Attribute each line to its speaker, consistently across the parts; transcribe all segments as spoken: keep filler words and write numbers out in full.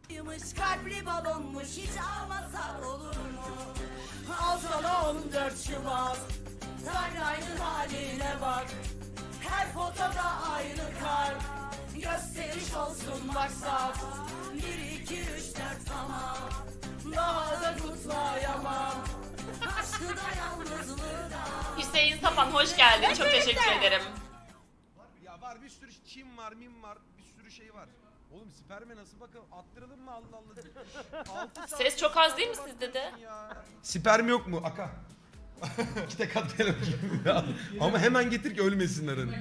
Speaker 1: Kalpli balonmuş hiç almasak olur mu? Al sana on dört Şubat. Timeline'ın haline bak. Her fotoda aynı kalp. Gösteriş olsun maksat. Bir iki üç dört tamam. Daha da kutlayamam. Aşkı da yalnızlığı da.
Speaker 2: Hüseyin Sapan hoş geldin. Çok teşekkür ederim.
Speaker 3: Ya var bir sürü çim var, mim var, bir sürü şey var. Oğlum sperme nasıl bakalım? Attıralım mı Allah Allah?
Speaker 2: Ses çok az değil mi sizde de?
Speaker 3: Sperm yok mu? Aka. İki tek atlayalım. Ama hemen getir ki ölmesinler hani.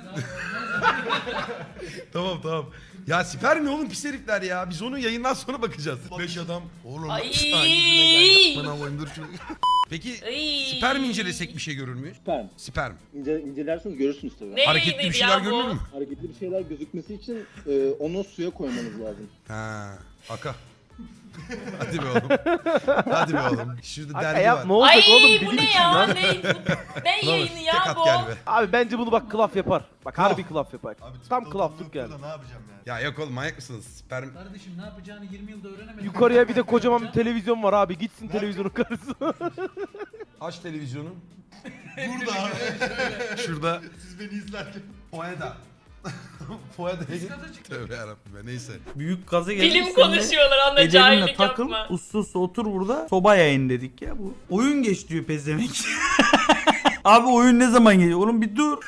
Speaker 3: Tamam tamam. Ya sperm ne oğlum pis herifler ya. Biz onu yayından sonra bakacağız. Beş adam. Oğlum.
Speaker 2: Ay.
Speaker 3: Bana koyayım dur şunu. Peki
Speaker 2: Ay.
Speaker 3: sperm incelesek bir şey görür müyüz?
Speaker 4: Sperm.
Speaker 3: Sperm.
Speaker 4: İnce, incelerseniz görürsünüz tabii.
Speaker 2: Ne
Speaker 3: Hareketli bir
Speaker 2: yayınıydı
Speaker 3: şeyler
Speaker 2: ya bu?
Speaker 3: görünür mü?
Speaker 4: Hareketli bir şeyler gözükmesi için e, onu suya koymanız lazım.
Speaker 3: Ha, Aka. Hadi be oğlum. Hadi be oğlum. Şurada
Speaker 5: Aka
Speaker 3: dergi
Speaker 5: yapma
Speaker 3: var.
Speaker 5: olacak
Speaker 2: Ay
Speaker 5: oğlum
Speaker 2: bu
Speaker 5: bilim
Speaker 2: ne
Speaker 5: için
Speaker 2: ya?
Speaker 5: lan.
Speaker 2: Ne, bu- ne
Speaker 3: Ulan
Speaker 2: yayını
Speaker 3: tek
Speaker 2: ya
Speaker 3: at
Speaker 2: bu?
Speaker 3: gel be.
Speaker 5: Abi bence bunu bak klaf yapar. Bak
Speaker 3: Klaf.
Speaker 5: harbi klaf yapar. Tam klaflık yani.
Speaker 6: Ne yapacağım yani?
Speaker 3: Ya yok oğlum manyak mısınız? Sperm.
Speaker 7: Kardeşim ne yapacağını yirmi yılda öğrenemedin.
Speaker 5: Yukarıya bir de kocaman bir televizyon var abi. Gitsin televizyonun karşısına.
Speaker 3: Aç televizyonu.
Speaker 6: Burada abi.
Speaker 3: Şurada.
Speaker 6: Siz beni izlerken.
Speaker 3: Poeda. Poeda. Tövbe yarabbim ya neyse.
Speaker 8: Büyük gaza gelip
Speaker 2: Bilim konuşuyorlar anla
Speaker 8: Ecelinle
Speaker 2: cahillik
Speaker 8: takıl,
Speaker 2: yapma.
Speaker 8: uslu uslu otur burada. Soba yayın dedik ya bu. Oyun geç diyor pezevenk. Abi oyun ne zaman geliyor? Oğlum bir dur.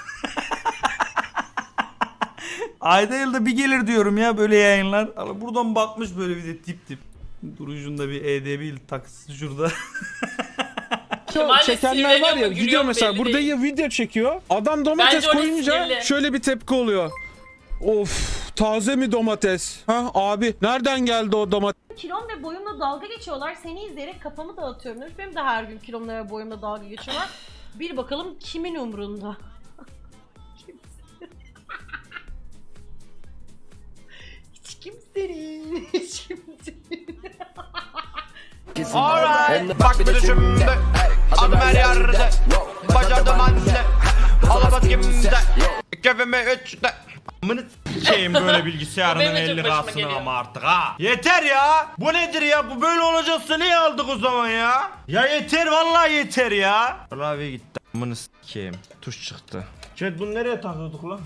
Speaker 8: Ayda yılda bir gelir diyorum ya böyle yayınlar. Ama buradan bakmış böyle bir de tip tip. Durucunda bir E D B takısı şurada.
Speaker 2: Kemal
Speaker 9: Çekenler var ya
Speaker 2: sinirleniyor mu,
Speaker 9: gidiyor
Speaker 2: gülüyor mu
Speaker 9: mesela
Speaker 2: belli
Speaker 9: burada
Speaker 2: değil.
Speaker 9: ya video çekiyor. Adam domates
Speaker 2: Bence orası
Speaker 9: koyunca
Speaker 2: sinirli.
Speaker 9: şöyle bir tepki oluyor. Of taze mi domates? Ha abi nereden geldi o domates?
Speaker 10: Kilom ve boyumla dalga geçiyorlar. Seni izleyerek kafamı dağıtıyorum demiş. Benim de her gün kilomla ve boyumla dalga geçiyorlar. Bir bakalım kimin umrunda? Hiç kimsenin. Hiç kimsenin.
Speaker 1: Alright. Bak bir de şimdi. Adım her yerde. Bacadım anne. Alabat kimde. Kefeme üçte.
Speaker 11: Amını s**eyim böyle bilgisayarının
Speaker 2: Benim de çok
Speaker 11: elli
Speaker 2: başıma
Speaker 11: kasını
Speaker 2: geliyor.
Speaker 11: ama artık ha. Yeter ya. Bu nedir ya? Bu böyle olacaksa niye aldık o zaman ya? Ya yeter vallahi yeter ya. Klavye gitti. Amını s**eyim. Tuş çıktı. Chat bunu nereye takıyorduk lan?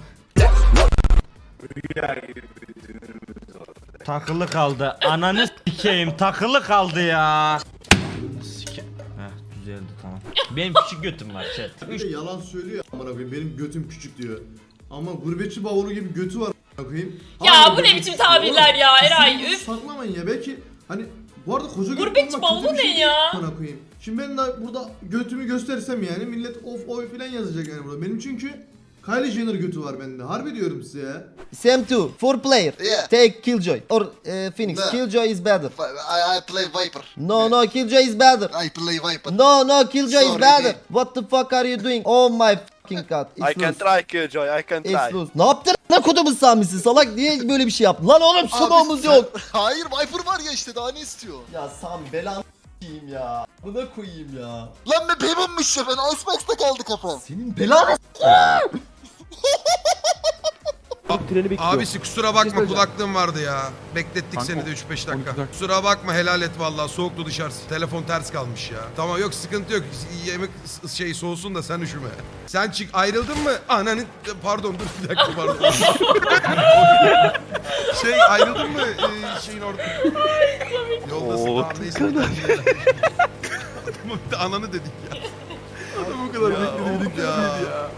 Speaker 11: Takılı kaldı. Ananı s**eyim takılı kaldı ya. Sike. Heh düzeldi tamam. Benim küçük götüm var chat.
Speaker 6: Bir de yalan söylüyor amına koyayım. Benim götüm küçük diyor. Ama gurbetçi bavulu gibi götü var amına koyayım.
Speaker 2: Ya
Speaker 6: Hala
Speaker 2: bu ne
Speaker 6: götü-
Speaker 2: biçim tabirler ya
Speaker 6: Oğlum,
Speaker 2: Eray,
Speaker 6: sesinizi
Speaker 2: üf.
Speaker 6: Saklamayın ya belki hani bu arada koca göt
Speaker 2: Gurbetçi
Speaker 6: olmak kötü
Speaker 2: bavulu
Speaker 6: bir şey
Speaker 2: ne
Speaker 6: değil
Speaker 2: ya?
Speaker 6: amına koyayım. Şimdi ben de burada götümü gösterirsem yani millet of oy falan yazacak yani burada. Benim çünkü Kylie Jenner götü var bende. Harbi diyorum size ya.
Speaker 12: S M two, four player.
Speaker 6: Yeah.
Speaker 12: Take Killjoy or uh, Phoenix.
Speaker 6: No.
Speaker 12: Killjoy is better.
Speaker 6: I, I play Viper.
Speaker 12: No, no, Killjoy is better.
Speaker 6: I play Viper.
Speaker 12: No, no, Killjoy is
Speaker 6: Sorry,
Speaker 12: better.
Speaker 6: dude.
Speaker 12: What the fuck are you doing? Oh my fucking god. It's loose.
Speaker 1: try Killjoy. I can
Speaker 12: It's loose. Ne yaptın? Ne kodumun samisi salak niye böyle bir şey yaptın? Lan oğlum smoke'umuz yok.
Speaker 6: Hayır Viper var ya işte daha ne istiyor?
Speaker 12: Ya Sami belanı s**eyim ya. Buna koyayım ya.
Speaker 6: Lan be bebeğimmiş ya ben Icebox'ta kaldı kafam.
Speaker 12: Senin belanı
Speaker 5: Treni bekliyor.
Speaker 3: Abisi kusura
Speaker 5: Bir
Speaker 3: bakma
Speaker 5: şey söyleyeceğim.
Speaker 3: kulaklığım vardı ya. Beklettik
Speaker 5: Kanka,
Speaker 3: seni de üç beş dakika.
Speaker 5: on iki dakika.
Speaker 3: Kusura bakma helal et vallahi soğuktu dışarısı. Telefon ters kalmış ya. Tamam yok sıkıntı yok. Yemek s- şey soğusun da sen üşüme. Sen çık ayrıldın mı? Ananı pardon dur bir dakika pardon. şey ayrıldın mı ee, şeyin orada? Yoldasın tamam neyse. Tamam bir de ananı dedik ya. Bu kadar bekledik ya.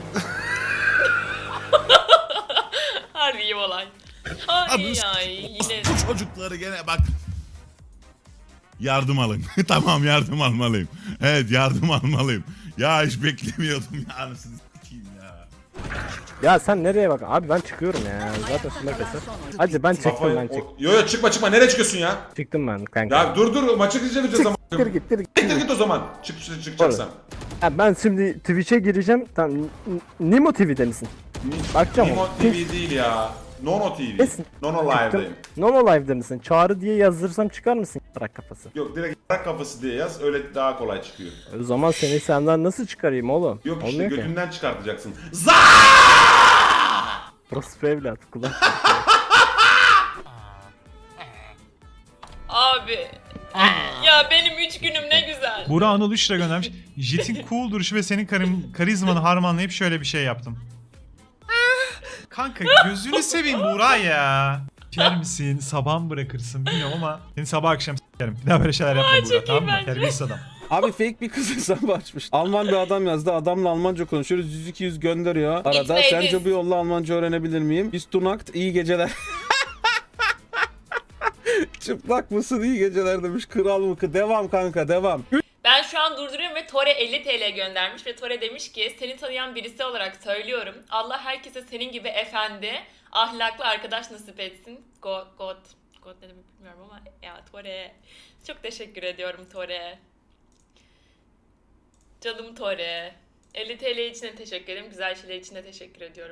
Speaker 2: Harbi iyi olay. Ay ay yine.
Speaker 11: Bu çocukları gene bak. Yardım alın. Tamam yardım almalıyım. Evet yardım almalıyım. Ya hiç beklemiyordum ya. Anasını s**eyim ya.
Speaker 5: Ya sen nereye bak? Abi ben çıkıyorum ya. Zaten sıma keser. Hadi ben çıktım ben çıktım.
Speaker 3: Yo yo çıkma çıkma nereye çıkıyorsun ya?
Speaker 5: Çıktım ben kanka.
Speaker 3: Ya dur dur maçı izleyeceğiz o zaman.
Speaker 5: Gittir gittir.
Speaker 3: Git git o zaman. Çık çıkacaksan.
Speaker 5: Ya ben şimdi Twitch'e gireceğim. Tamam. N- Nimo T V'de misin? Bakacağım.
Speaker 3: Nimo T V değil ya. Nono T V.
Speaker 5: Nesin?
Speaker 3: Nono
Speaker 5: Çıktım.
Speaker 3: Live'dayım.
Speaker 5: Nono Live'de misin? Çağrı diye yazdırsam çıkar mısın? Bırak kafası.
Speaker 3: Yok direkt bırak kafası diye yaz öyle daha kolay çıkıyor.
Speaker 5: O zaman seni senden nasıl çıkarayım oğlum?
Speaker 3: Yok işte
Speaker 5: Olmuyor ki.
Speaker 3: götünden çıkartacaksın. Za!
Speaker 5: Burası evlat kulak.
Speaker 2: Abi. Ya benim üç günüm ne güzel.
Speaker 7: Burak Anıl üç lira göndermiş. Jet'in cool duruşu ve senin karim, karizmanı harmanlayıp şöyle bir şey yaptım. Kanka gözünü seveyim Burak ya. Yer misin? Sabah mı bırakırsın bilmiyorum ama seni sabah akşam s**erim. Bir daha böyle şeyler yapma
Speaker 2: Aa,
Speaker 7: Burak,
Speaker 2: çok iyi
Speaker 7: tamam mı?
Speaker 2: bence.
Speaker 7: Terbiyesiz adam.
Speaker 9: Abi fake bir kız hesabı açmış. Alman bir adam yazdı. Adamla Almanca konuşuyoruz. yüz iki yüz gönderiyor. Arada
Speaker 2: Gitmeyiz.
Speaker 9: sence bu yolla Almanca öğrenebilir miyim? Bis tunakt iyi geceler. Çıplak mısın iyi geceler demiş. Kral mı? Devam kanka devam.
Speaker 2: Ben şu an durduruyorum ve Tore elli TL göndermiş ve Tore demiş ki seni tanıyan birisi olarak söylüyorum. Allah herkese senin gibi efendi, ahlaklı arkadaş nasip etsin. God, God, God ne demek bilmiyorum ama ya Tore. Çok teşekkür ediyorum Tore. Canım Tore. elli TL için de teşekkür ederim. Güzel şeyler için de teşekkür ediyorum.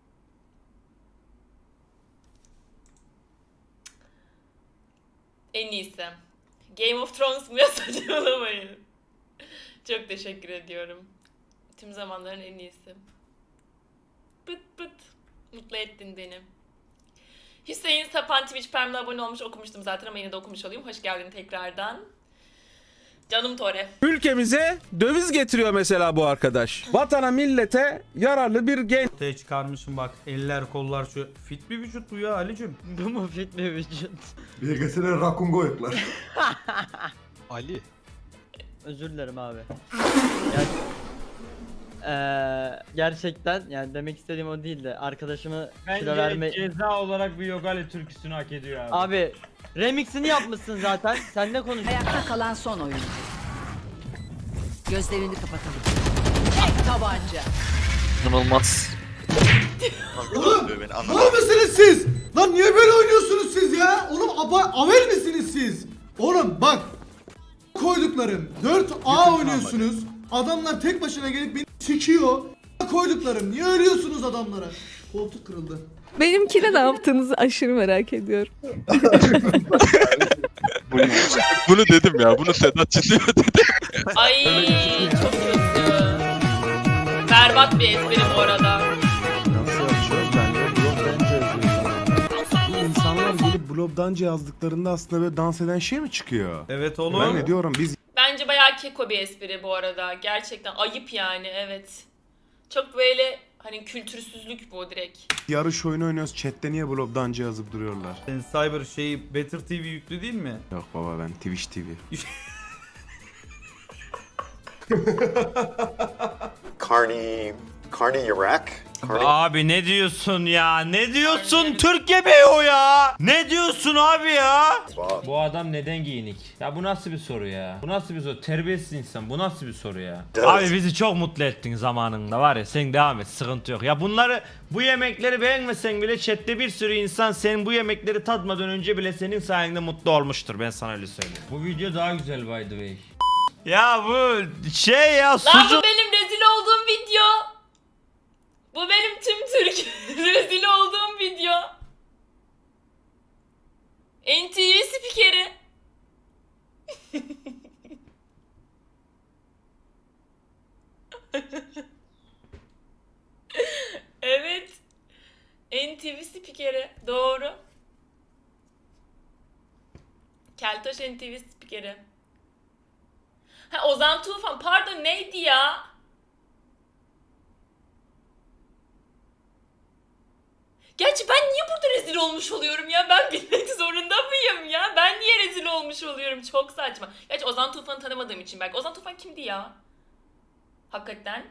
Speaker 2: En iyisi. Game of Thrones mu ya, saçmalamayın. Çok teşekkür ediyorum. Tüm zamanların en iyisi. Pıt pıt. Mutlu ettin beni. Hüseyin Sapan Twitch Prime'la abone olmuş, okumuştum zaten ama yine de okumuş olayım. Hoş geldin tekrardan. Canım Tore.
Speaker 9: Ülkemize döviz getiriyor mesela bu arkadaş. Vatana millete yararlı bir genç.
Speaker 8: Ortaya çıkarmışım bak, eller kollar şu. Fit bir vücut bu ya Ali'cim.
Speaker 12: Bu mu fit bir vücut?
Speaker 6: Bir gesine rakun koyuklar.
Speaker 12: Ali. Özür dilerim abi. Ger- Eee, gerçekten yani demek istediğim o değil de arkadaşımı kilo verme...
Speaker 11: ceza olarak bir Yogali türküsünü hak ediyor abi.
Speaker 12: Abi remixini yapmışsın zaten. Sen ne konuşuyorsun?
Speaker 1: Ayakta kalan son oyuncu. Gözlerini kapatalım. Tek tabanca.
Speaker 5: İnanılmaz.
Speaker 6: Oğlum mal mısınız siz? Lan niye böyle oynuyorsunuz siz ya? Oğlum aba avel misiniz siz? Oğlum bak koyduklarım dört A oynuyorsunuz. Adamlar tek başına gelip beni sikiyor. Koyduklarım niye ölüyorsunuz adamlara? Koltuk kırıldı.
Speaker 1: Benimkine ne yaptığınızı aşırı merak ediyorum.
Speaker 9: Bunu dedim ya. Bunu Sedat çiziyor dedi.
Speaker 2: Ay çok kötü. Berbat bir espri bu arada.
Speaker 9: İnsanlar gelip blobdanca yazdıklarında aslında böyle dans eden şey mi çıkıyor?
Speaker 8: Evet oğlum.
Speaker 9: ne diyorum biz
Speaker 2: Bence bayağı keko bir espri bu arada. Gerçekten ayıp yani, evet. Çok böyle hani kültürsüzlük bu direkt.
Speaker 9: yarış oyunu oynuyoruz. Chat'te niye blobdanca yazıp duruyorlar?
Speaker 8: Senin Cyber şeyi Better T V yüklü değil mi?
Speaker 9: Yok baba ben Twitch T V.
Speaker 13: Carney, Carney Iraq.
Speaker 11: Abi ne diyorsun ya? Ne diyorsun? Türkiye Bey o ya. Ne diyorsun abi ya? Bu adam neden giyinik? Ya bu nasıl bir soru ya? Bu nasıl bir soru? Terbiyesiz insan. Bu nasıl bir soru ya?
Speaker 13: Evet.
Speaker 11: Abi bizi çok mutlu ettin zamanında var ya. Sen devam et. Sıkıntı yok. Ya bunları, bu yemekleri beğenmesen bile chatte bir sürü insan senin bu yemekleri tatmadan önce bile senin sayende mutlu olmuştur. Ben sana öyle söyleyeyim. Bu video daha güzel by the way. Ya bu şey ya
Speaker 2: Lan
Speaker 11: sucuk.
Speaker 2: bu benim rezil olduğum video. Bu benim tüm Türk rezil olduğum video. N T V spikeri. Evet. N T V spikeri. Doğru. Keltoş N T V spikeri. Ha, Ozan Tufan. Pardon, neydi ya? Gerçi ben niye burada rezil olmuş oluyorum ya? Ben bilmek zorunda mıyım ya? Ben niye rezil olmuş oluyorum? Çok saçma. Gerçi Ozan Tufan'ı tanımadığım için belki. Ozan Tufan kimdi ya? Hakikaten.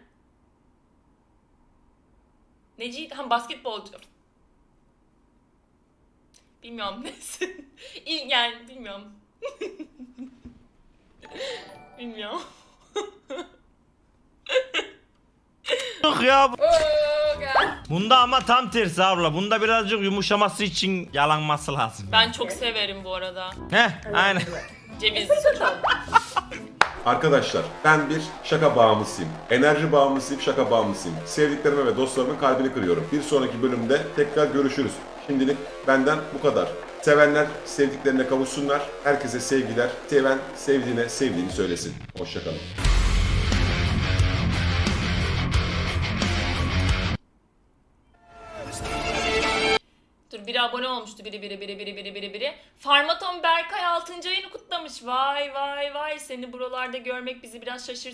Speaker 2: Neciydi? Ha, basketbolcu. Bilmiyorum neyse. İl yani bilmiyorum. Bilmiyorum.
Speaker 11: Yok ya. Bunda ama tam tersi abla. Bunda birazcık yumuşaması için yalanması lazım.
Speaker 2: Ben çok severim bu arada.
Speaker 11: Heh, aynen.
Speaker 2: Cevizli çok.
Speaker 13: Arkadaşlar ben bir şaka bağımlısıyım. Enerji bağımlısıyım, şaka bağımlısıyım. Sevdiklerime ve dostlarımın kalbini kırıyorum. Bir sonraki bölümde tekrar görüşürüz. Şimdilik benden bu kadar. Sevenler sevdiklerine kavuşsunlar. Herkese sevgiler. Seven sevdiğine sevdiğini söylesin. Hoşçakalın.
Speaker 2: Dur biraz biri abone olmuştu. Biri biri biri biri biri biri biri. Farmaton Berkay altıncı ayını kutlamış. Vay vay vay. Seni buralarda görmek bizi biraz şaşırttı.